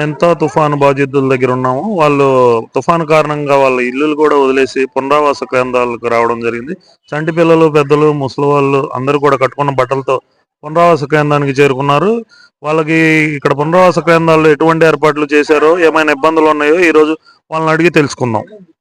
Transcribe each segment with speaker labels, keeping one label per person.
Speaker 1: ఎంతో తుఫాను బాధితుల దగ్గర ఉన్నాము. వాళ్ళు తుఫాను కారణంగా వాళ్ళ ఇల్లులు కూడా వదిలేసి పునరావాస కేంద్రాలకు రావడం జరిగింది. చంటి పిల్లలు, పెద్దలు, ముసలి వాళ్ళు అందరూ కూడా కట్టుకున్న బట్టలతో పునరావాస కేంద్రానికి చేరుకున్నారు. వాళ్ళకి ఇక్కడ పునరావాస కేంద్రాల్లో ఎటువంటి ఏర్పాట్లు చేశారో, ఏమైనా ఇబ్బందులు ఉన్నాయో ఈ రోజు వాళ్ళని అడిగి తెలుసుకుందాం.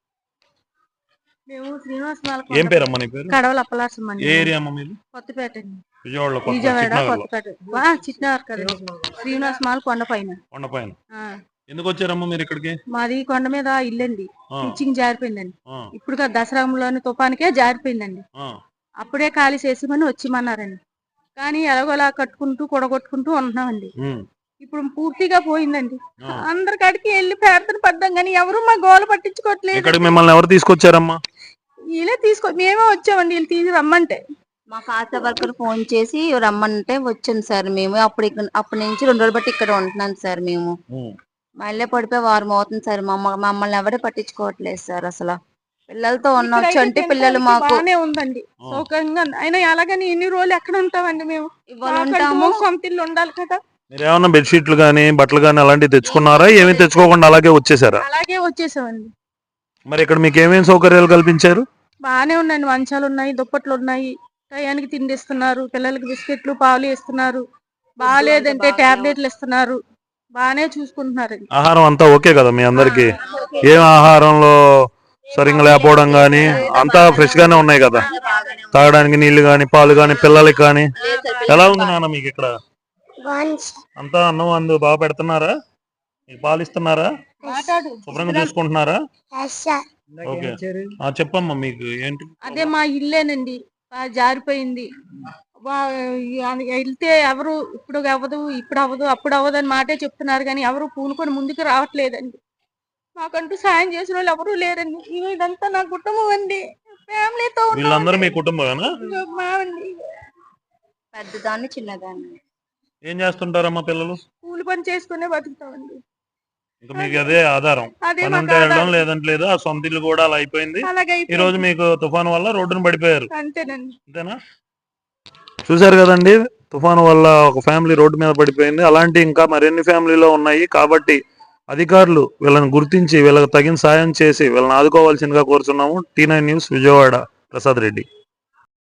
Speaker 1: ఏం పేరమ్మా నీ పేరు?
Speaker 2: కడవల అప్పలాసం అండి.
Speaker 1: ఏ ఏరియా అమ్మ మీది?
Speaker 2: కొత్తపేట
Speaker 1: విజయవాడలో
Speaker 2: కొత్తపేట చిట్నగర్ కదా. శ్రీనివాస్ మాల్ కొండపైన.
Speaker 1: ఎందుకు వచ్చారమ్మా మీరు ఇక్కడికి?
Speaker 2: మాది కొండ మీద ఇల్లండి. పిచ్చింగ్ జారిపోయిందండి. ఇప్పుడు దసరాలోని తుఫానికే జారిపోయిందండి. అప్పుడే ఖాళీ చేసిమని వచ్చిమన్నారండి. కానీ ఎలాగోలా కట్టుకుంటూ కూడగొట్టుకుంటూ ఉంటున్నామండి. ఇప్పుడు పూర్తిగా పోయిందండి. అందరికాడికి వెళ్ళి ప్రార్థన పడ్డాం కానీ ఎవరు మా గోల పట్టించుకోవట్లేదు.
Speaker 1: మిమ్మల్ని ఎవరు తీసుకొచ్చారమ్మా?
Speaker 2: వీళ్ళే మేమే వచ్చామండి. వీళ్ళు తీసి రమ్మంటే
Speaker 3: మాకు ఆశా వర్కర్ ఫోన్ చేసి రమ్మంటే వచ్చాను సార్. మేము అప్పటి నుంచి 2 రోజులు బట్టి ఇక్కడ ఉంటున్నాను సార్. మేము మళ్ళీ పడిపోయి వారం అవుతుంది సార్. మమ్మల్ని ఎవరే పట్టించుకోవట్లేదు సార్. అసలు పిల్లలతో ఉన్నాం. చంటి పిల్లలు మాకు
Speaker 2: ఉందండి సౌకర్యంగా. అయినా అలాగని ఎన్ని రోజులు ఎక్కడ ఉంటామండి? మేము ఇవాళ ఉంటాము. సొంత ఇల్లు ఉండాలి కదా.
Speaker 1: మీరు ఏమన్నా బెడ్షీట్లు గానీ బట్టలు గానీ అలాంటివి తెచ్చుకున్నారా? ఏమీ తెచ్చుకోకుండా అలాగే వచ్చేసారా?
Speaker 2: అలాగే వచ్చేసామండి.
Speaker 1: మరి ఇక్కడ మీకు ఏమేమి సౌకర్యాలు కల్పించారు?
Speaker 2: బాగానే ఉన్నాయండి. మంచాలు ఉన్నాయి, దుప్పట్లు ఉన్నాయి, టయానికి తిండి ఇస్తున్నారు, పిల్లలకి బిస్కెట్లు పాలు ఇస్తున్నారు. బాగాలేదంటే టాబ్లెట్లు ఇస్తున్నారు. బాగానే చూసుకుంటున్నారు.
Speaker 1: ఆహారం అంతా ఓకే కదా మీ అందరికి? ఏం ఆహారంలో సరిగ్గా లేకపోవడం గానీ అంతా ఫ్రెష్ గానే ఉన్నాయి కదా? తాగడానికి నీళ్లు గానీ పాలు గానీ పిల్లలకి కానీ ఎలా ఉంది నాన్న మీకు ఇక్కడ? అంతా అన్నం అందు బాగా పెడుతున్నారా? మీకు పాలు ఇస్తున్నారా? శుభ్రంగా చూసుకుంటున్నారా? ఓకే చెప్పమ్మా మీకు ఏంటి?
Speaker 2: అదే మా ఇల్లేనండి జారిపోయింది. వెళ్తే ఎవరు ఇప్పుడు అవ్వదు, ఇప్పుడు అవ్వదు, అప్పుడు అవ్వదు అని మాటే చెప్తున్నారు కానీ ఎవరు పూనుకొని ముందుకు రావట్లేదండి. మాకంటూ సాయం చేసిన వాళ్ళు ఎవరు లేరండి. ఇదంతా నా కుటుంబం అండి. ఫ్యామిలీతో
Speaker 1: వీళ్ళందరూ మీ కుటుంబమేనా?
Speaker 3: పెద్దదాన్ని చిన్నదాన్ని.
Speaker 1: ఏం చేస్తుంటారమ్మా పిల్లలు?
Speaker 2: కూలి పని చేసుకునే బతుకుతామండి.
Speaker 1: ఇంకా మీకు అదే ఆధారం. పని ఉంటే వెళ్ళడం లేదంటే లేదు. ఆ సొంత ఇల్లు కూడా అలా అయిపోయింది. ఈ రోజు మీకు తుఫాను వల్ల రోడ్డును పడిపోయారు. అంతేనా? చూసారు కదండి, తుఫాను వల్ల ఒక ఫ్యామిలీ రోడ్డు మీద పడిపోయింది. అలాంటి ఇంకా మరిన్ని ఫ్యామిలీలో ఉన్నాయి. కాబట్టి అధికారులు వీళ్ళని గుర్తించి వీళ్ళకి తగిన సాయం చేసి వీళ్ళని ఆదుకోవాల్సిందిగా కోరుతున్నాము. T9 news Vijayawada, Prasad Reddy.